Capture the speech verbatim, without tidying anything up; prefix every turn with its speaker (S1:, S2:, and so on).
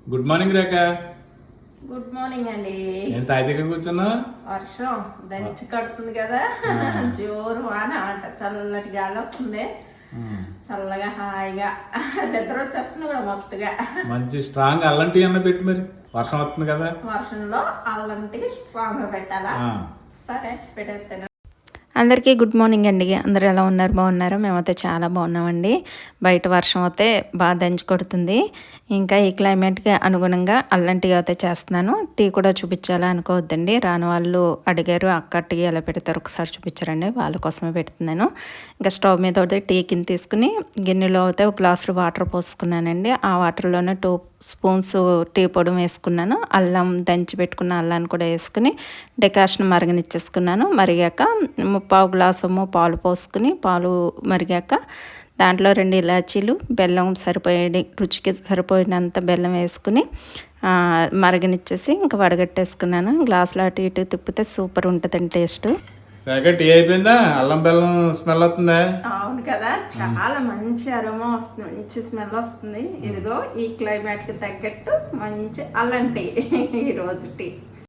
S1: Good morning Rekha.
S2: Good morning అండి.
S1: ఎంత అయితే కూర్చున్నా
S2: వర్షం దంచి కడుతుంది కదా, జోరు వాన అంట, చల్లటి గాలి వస్తుంది, చల్లగా హాయిగా నిద్ర వచ్చేస్తుంది కూడా మొత్తగా.
S1: మంచి స్ట్రాంగ్ అల్లం టీ అన్న పెట్టి, మరి వర్షం వస్తుంది కదా,
S2: వర్షంలో అల్లం టీ స్ట్రాంగ్ పెట్టాలా? సరే పెట్టేస్తాను.
S3: అందరికీ గుడ్ మార్నింగ్ అండి. అందరూ ఎలా ఉన్నారు? బాగున్నారా? మేమైతే చాలా బాగున్నామండి. బయట వర్షం అయితే బాగా దంచి కొడుతుంది. ఇంకా ఈ క్లైమేట్కి అనుగుణంగా అల్లం టీ అయితే చేస్తున్నాను. టీ కూడా చూపించాలా అనుకోవద్దండి. రాని వాళ్ళు అడిగారు, అక్క టీ ఎలా పెడతారు ఒకసారి చూపించారండి, వాళ్ళ కోసమే పెడుతున్నాను. ఇంకా స్టవ్ మీద అయితే టీ కింద తీసుకుని గిన్నెలో అయితే ఒక గ్లాసు వాటర్ పోసుకున్నానండి. ఆ వాటర్లోనే టూ స్పూన్స్ టీ పొడి వేసుకున్నాను. అల్లం దంచి పెట్టుకున్న అల్లాన్ని కూడా వేసుకుని డెకాషన్ మరగనిచ్చేసుకున్నాను. మరిగాక పావు గ్లాసము పాలు పోసుకుని, పాలు మరిగాక దాంట్లో రెండు ఇలాచీలు, బెల్లం సరిపోయే రుచికి సరిపోయినంత బెల్లం వేసుకుని మరగనిచ్చేసి ఇంకా వడగట్టేసుకున్నాను. గ్లాసులో అటు ఇటు తిప్పితే సూపర్ ఉంటుందండి టేస్ట్.
S1: టీ అయిపోయిందా? అల్లం బెల్లం స్మెల్ వస్తుందా?
S2: అవును కదా, చాలా మంచి అరోమా వస్తుంది, మంచి స్మెల్ వస్తుంది. ఇదిగో ఈ క్లైమేట్కి తగ్గట్టు మంచి అల్లం టీ ఈ రోజు టీ.